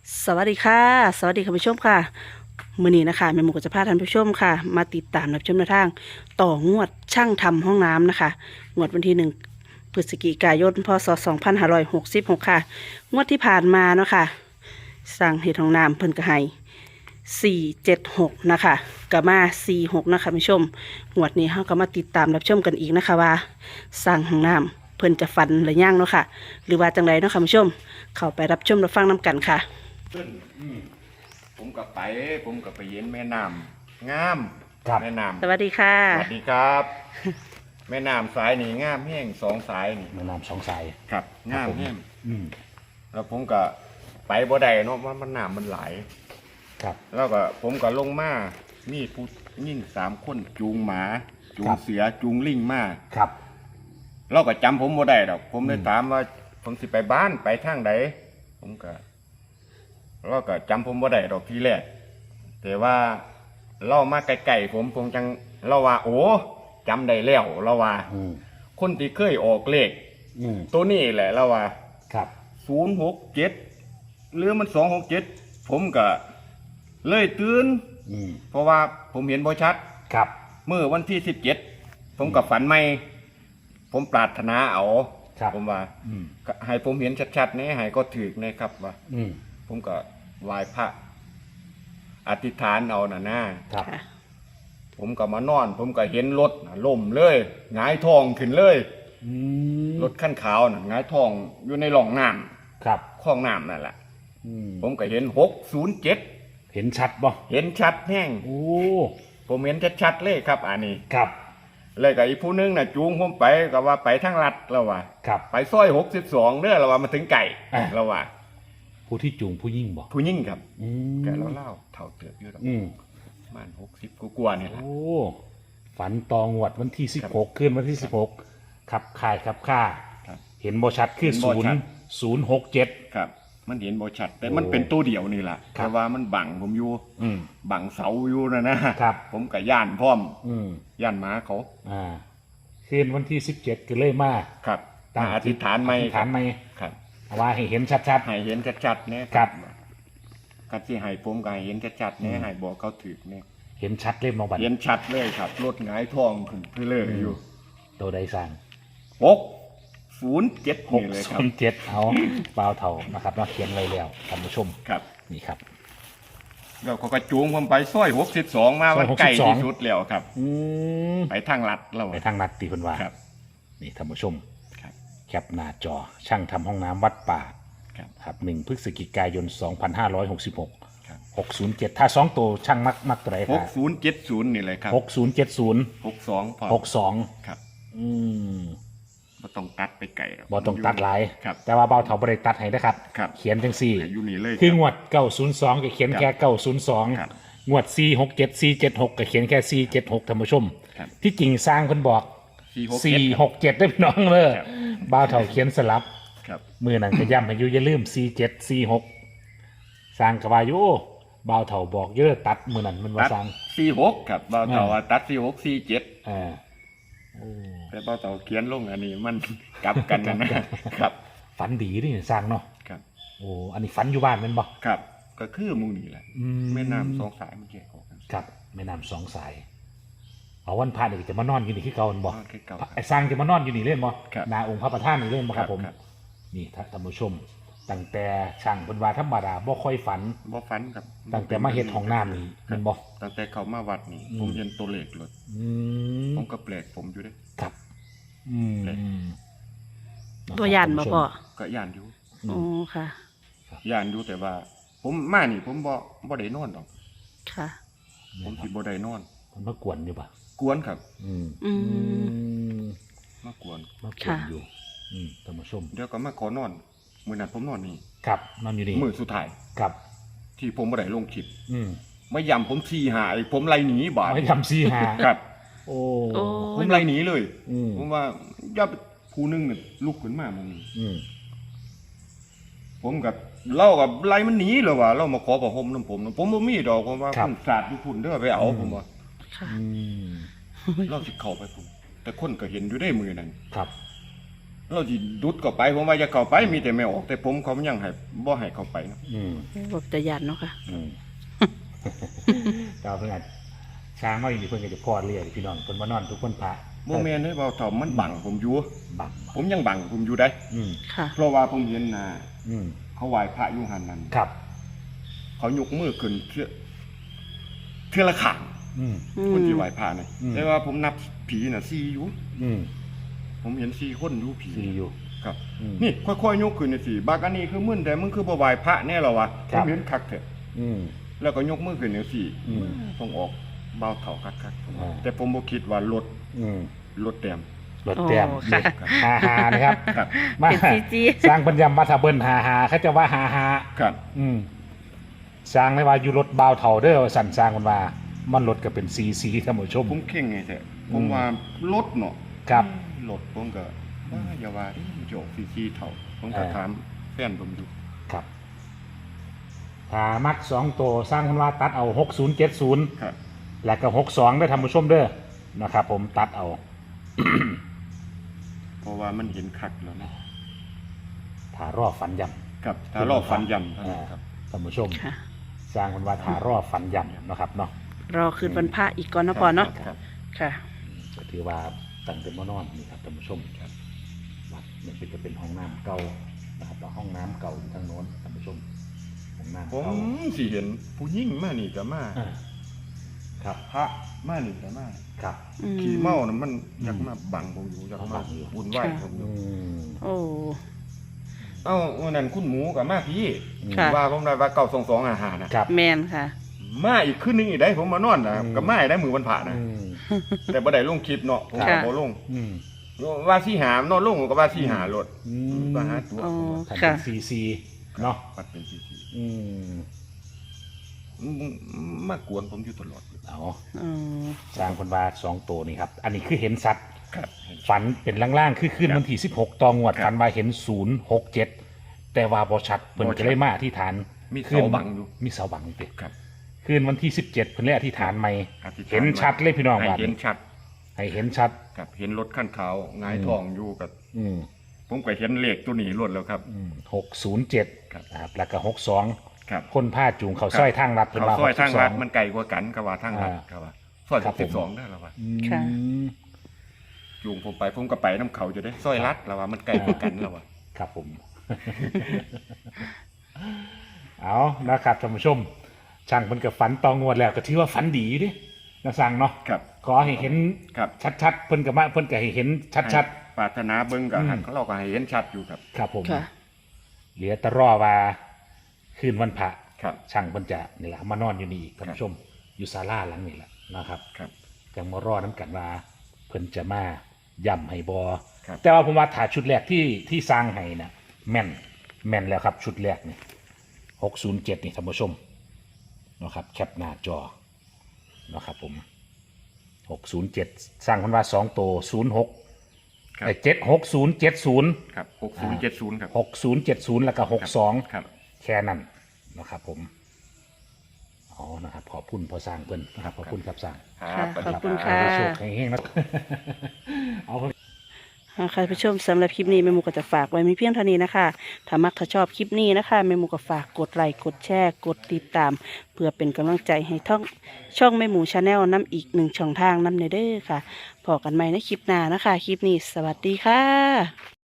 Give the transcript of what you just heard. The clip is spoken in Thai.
สวัสดีค่ะสวัสดีคุณผู้ชมค่ะมื้อนี้นะคะแม่หมูก็จะพาท่านผู้ชมค่ะมาติดตามรับชมแนวทางต่องวดช่างทำห้องน้ำนะคะงวดวันที่1 พฤศจิกายนพศ2566ค่ะงวดที่ผ่านมาเนาะค่ะสั่งเห็ดห้องน้ำเพิ่นก็ให้476นะคะก็มา46นะคะคุณผู้ชมงวดนี้เราก็มาติดตามรับชมกันอีกนะคะว่าสั่งห้องน้ำเพิ่นจะฟันหรือยังเนาะค่ะหรือว่าจังไรเนาะค่ะคุณผู้ชมเข้าไปรับชมรับฟังน้กันค่ะขึ้นผมกับไปเย็นแม่น้ำงามครับแม่น้สวัสดีค่ะำสวัสดีครับ แม่น้ำสายนี่งามแห้งสองสายนี่แม่น้ำสองสายครับงามแห้งอืมแล้วผมก็ไปบ่ได้เนาะมันน้ำมันไหลายครับแล้วก็ผมก็ลงมามีผู้ยิ่ง3 คนจูงหมาจูงเสือจูงลิงมาครับเราก็จำผมบ่ได้ดอกผมเลยถามว่าผมสิไปบ้านไปทางใดผมก็เราก็จำผมบ่ได้ดอกทีแรกแต่ว่าเรามาไกลๆผมจังเราว่า โอ้จำได้แล้วเราว่าอืมคนที่เคยออกเลขอืมตัวนี้แหละเราว่าครับ 067หรือมัน267ผมก็เลยตื่นอืมเพราะว่าผมเห็นบ่ชัดครับเมื่อวันที่17ผมก็ฝันใหม่ผมปรารถนาเอาครับผมว่าอืมก็ให้ผมเห็นชัดๆนี่ให้ก็ถือนะครับว่าอืมผมก็ไหว้พระอธิษฐานเอาน่ะนะครับค่ะผมก็มานอน ผมก็เห็นรถน่ะล่มเลยหงายท้องขึ้นเลยอืมรถขั้นขาวน่ะหงายท้องอยู่ในร่องน้ครับำคลองน้ำนั่นแหละอืมผมก็เห็น607 เห็นชัดบ่เห็นชัดแห้งโอ้ผมเห็นชัดๆเลยครับอันนี้ครับเลยกับอีกผู้นึงน่ะจูงผมไปก็ว่าไปทางลัดแล้วว่าครับไปซอย62เด้อแล้วว่ามาถึงไก่อ่ะแล้วว่าผู้ที่จูงผู้ยิ่งบ่ผู้หญิงครับอืมแกเล่าเท่าเติบอยู่ดอกอืมประมาณ60กว่าๆนี่แหละโอ้ฝันตองวดวันที่16คืนวันที่16ขับข่ายขับค่าครับเห็นบ่ชัดคือเห็นบ่ชัด 067 ครับ มันเห็นบ่ชัด แต่โอ้มันเป็นตัวเดียวนี่แหละครับแต่ว่ามันบังผมอยู่อืมบังเสาอยู่นะครับ ผมกับย่านพร้อมอืมย่านหมาเขาอ่าคืนวันที่17ก็เลยมาครับตั้งอธิษฐานไม่อธิษฐานไม่ครับว่าให้เห็นชัดให้เห็นชัดๆเนี่ยครับกัที่ให้ผมก็ให้เห็นชัดๆเนี่ยให้บอกเขาถือเนี่ยๆ เห็นชัดเล่มมองบัตรเห็นชัดเลยครับรถหงายท้องขึ้นเพื่อเลยอยู่ตัวใดสั่ง 607นี่เลยครับ 607เอาเปล่าเท่านะครับเนาะเขียนไว้แล้วท่านผู้ชมครับนี่ครับแล้วเขาก็จูงผมไปซอย62มาว่าซอย62 ใกล้ที่สุดแล้วครับอืมไปทางลัดแล้วไปทางนัดตีเพิ่นว่าครับนี่ท่านผู้ชมครับแคปหน้าจอช่างทำห้องน้ำวัดป่าครับครับ1 พฤศจิกายน 2566 ครับ 607 ถ้า 2 ตัวช่างมักตัวไหนครับ 6070นี่เลยครับ 6070 62พอ 62 ครับอืมบ่ต้องตัดไปไกลหรกบ่ต้องตัดหลายครับแต่ว่าเบาเถาบ่ได้ตัดให้นะครับครับเขียนจังซี่อยู่นี่เลยคืองรับวด 902 ก็เขียนแค่ครับ 902 งวด 467 476 ก็เขียนแค่ 476ท่านผู้ชมครับที่จริงสร้างเพิ่นบอก 467ได้พี่น้องเลยครับบ่าวเถาเขียนสลับครับมือนั้นก็ย้ำให้อยู่อย่าลืม 47 46 สร้างก็ว่าอยู่บ่าวเถาบอกเยอะตัดมือนั้นมันว่าตัดสร้าง 46ครับบ่าวเต่าว่าตัด4647 อ่าโอ้แต่บ่าวเต่าเขียนลงอันนี้มันกลับกันนะครับฝันดีนี่สร้างเนาะครับโอ้อันนี้ฝันอยู่บ้านแม่นบ่ครับก็คือหมู่นี่แหละอืมแม่น้ำสองสายมันแยกออกกันครับแม่น้ำสองสายเอาวันพระนี่จะมานอนอยู่นี่คือเก่าแม่นบ่นอนคือเก่าไอ้สร้างจะมานอนอยู่นี่เล่นบ่ครับหนาองค์พระประธานนี่เล่นบ่ครับผมครับนี่ท่านผู้ชมตั้งแต่ช่างเพิ่นว่าธรรมดาบ่ค่อยฝันบ่ฝันครับตั้งแต่มาเฮ็ดห้องน้ำนี่แมันบ่ตั้งแต่เขามาวัดนี่อืมผมเห็นตัวเลขรถอืมผมก็แปลกผมอยู่เด้ครับอืมเลยตัวยันมาพ่อก็ย่านอยู่โอ้ค่ะย่านอยู่แต่ว่า ผมมานี่ผมบ่ได้นอนดอกค่ะผมสิบ่ได้นอนมันมากวนอยู่ป่ะกวนครับอืมอืมมากวนมากวนค่ะอยู่ท่านผู้ชมเดี๋ยวก็มาขอนอนมื้อนั้นผมนอนนี่ครับนอนอยู่นี่มื้อสุดท้ายครับที่ผมบ่ได้ลงคลิปอืมมาย่ำผมทีหาไอ้ผมไล่หนีบาดไม่ทำซี่หาครับโอ้โอ้ผมไล่หนีเลยอืมผมว่าอย่าไปผู้หนึงน่ะลุกขึ้นมามึงอืมผมกับเล่ากับไล่มันหนีเลยว่ะเรามาขอผ้าห่มน้ำผมนะผมบ่มีดอกผมว่าผมสาดอยู่พุ่นเด้อไปเอาผมว่าค่ะอืมเราสิเข้าไปพุ่นแต่คนก็เห็นอยู่ได้มือนั้นครับเราสิดุดเข้าไปผมว่าจะเข้าไปมีแต่ไม่ออกแต่ผมเขายังให้บ่ให้เข้าไปนะอืมบอกจะยันเนาะค่ะอืม ก็เพิ่นอาจช้างมาอยู่นี่เพิ่นก็จะพอดเรียกพี่น้องเพิ่นมานอนทุกคนพระบ่แม่นให้เบาเท่ามันบังผมอยู่บังผมยังบังผมอยู่ได้อืมค่ะเพราะว่าผมเห็นอืมเขาไหว้พระอยู่หันนั้นครับเขายกมือขึ้นเทื่อละข้างอืมคนที่ไหว้พระนี่อืมแต่ว่าผมนับผีน่ะ4อยู่อืมผมเห็น4คนอยู่ผีสีอยู่ครับอืมนี่ค่อยๆยกขึ้นนี่สิบักอันนี้คือมึนแต่มึงคือบ่ไหว้พระแน่หรอวะคผรับมเห็นคักแท้อืมแล้วก็ยกมือขึ้นนี่สิอืมต้องออกเบาเท่าคักอ่าแต่ผมบ่คิดว่ารถอืมรถแต้มรถแต้มโอ้ค่ะหานะครับครับมาเป็นจีสร้างปัญญามาถ้าเบิ้นหาเขาจะว่าหาครับอืมสร้างเลยว่าอยู่รถบาวเท่าเด้อสั่นสร้างมันว่ามันรถก็เป็นสีท่านผู้ชมผมเข่งไงแท้ผมว่ารถเนาะครับรถผมก็ว่าอย่าว่าดิมันจะออกซีเท่าผมก็อ่าถามแฟนผมอยู่ครับถ้ามัก2ตัวสร้างมันว่าตัดเอา6070 ครับแล้วก็62ได้อท่านผู้ชมเด้อนะครับ ผมตัดเอาเพราะว่ามันเห็นคักแล้วนะถ้ารอบฝันย่ำครับถ้ารอบฟันยำเท่านั้นครับท่านผู้ชมค่ะสร้างมันว่าถ้ารอบฝันย่ำนะครับเนาะรอคืนวันพระอีกก่อนเนาะพอเนาะครับค่ะก็ถือว่าตั้งเป็นมานอนนี่ครับท่านผู้ชมครับวัดมันเป็นจะเป็นห้องน้ำเก่านะครับแล้วห้องน้ำเก่าอยู่ทางโน้นท่านผู้ชมห้องน้ำผมเก่าสิเห็นผู้หญิงมานี่ก็มาอ่าครับพระมานี่ก็มาครับอืมขี่เมาน่ะมันอยากมาบังผมอยู่อยากมาบุญไหว้ผมออืยู่มโอ้เอ้าวันนั้นคุณหมูกับมาพี่ค่ะว่าผมได้ว่า922อาหารนะครับแมนค่ะมาอีกคืนนึงอีกได้ผมมานอนนะอืมก็มาอีกได้มือวันผ่านะอืมแต่บ่ได้ลงคลิปเนาะผมก็ค่ะบ่ลงอืมว่าสิหามนอนลงก็ว่าสิหารถอืมว่าหาตัวอ๋อผมว่าทำเป็ค่ะนซีเนาะปัดเป็นซีซีอืมมากวนผมอยู่ตลอดเอาอืมสร้างคนว่า2ตัวนี่ครับ อันนี้คือเห็นสัตว์ครับฝันเป็นล่างๆคือคืนวันที่16ตองวดครับฝันว่าเห็น067แต่ว่าบ่ชัดเพิ่นบ่ชัดก็เลยมาอธิษฐานมีคืเสาบังอยู่มีเสาบังติครับคืนวันที่17เพิ่นเลยอธิษฐานใหม่อธิษฐานเห็นชัดเลยพี่น้องให้ว่าเห็นชัดให้เห็นชัดครับเห็นรถขั้นขาวหงายทองอยู่กับอืมผมก็เห็นเลขตัวนี้รถแล้วครับ 607 ครับนะครับแล้วก็62 ครับคนผ้าจูงเขาสร้อยทางรัดเพิ่นเขาว่าซอยทางรัด 62 มันไกลกว่ากันก็ว่าทางรัดอ่าก็ว่าซอยครับผม 62ได้แล้วว่าอืมค่ะจูงผมไปผมก็ไปน้ำเขาจะได้ซอยรัดแล้วว่ามันไกลกว่ากันแล้วว่าครับผม เอานะครับท่านผู้ชม ช่างเพิ่นกับฝันตองงวดแล้วก็ถือว่าฝันดีอยู่ดินะสั่งเนาะครับขอให้เห็นครับชัดๆเพิ่นกับมาเพิ่นก็ให้เห็นชัดให้ปรารถนาเบิ่งก็อืมหันเราก็ให้เห็นชัดอยู่ครับๆครับผมค่ะเหลือแต่รอว่าคืนวันพระครับช่างเพิ่นจะนี่แหละมานอนอยู่นี่อีกท่านผู้ชม อยู่ศาลาหลังนี่แหละนะครับครับจังมารอน้ำกันว่าเพิ่นจะมาย่ำให้บอครับแต่ว่าผมว่าถ่ายชุดแรกที่สร้างให้นะแม่นแล้วครับชุดแรกนี่607นี่ท่านผู้ชมนะครับแคปหน้าจอนะครับผม607สร้างคนว่า2ตัว06 ครับ 76070 ครับ6070ครับ 6070แล้วก็62 ครับแค่นั้นนะครับผมอ๋อนะครับขอบคุณพอสร้างเพิ่นนะครับขอบคุณครับสร้างครับค่ะสวัสดีขอบคุณรัค่ะโชคให้เฮงๆนะ เอาใครผู้ชมสำหรับคลิปนี้แม่หมูก็จะฝากไว้มีเพียงเท่านี้นะคะถ้ามักถ้าชอบคลิปนี้นะคะแม่หมูก็ฝากกดไลค์กดแชร์กดติดตาม เพื่อเป็นกำลังใจให้ช่องแม่หมูชาแนลน้ำอีกหนึ่งช่องทางน้ำเนเด้อค่ะพอกันใหม่ในคลิปหน้านะคะ คลิปนี้สวัสดีค่ะ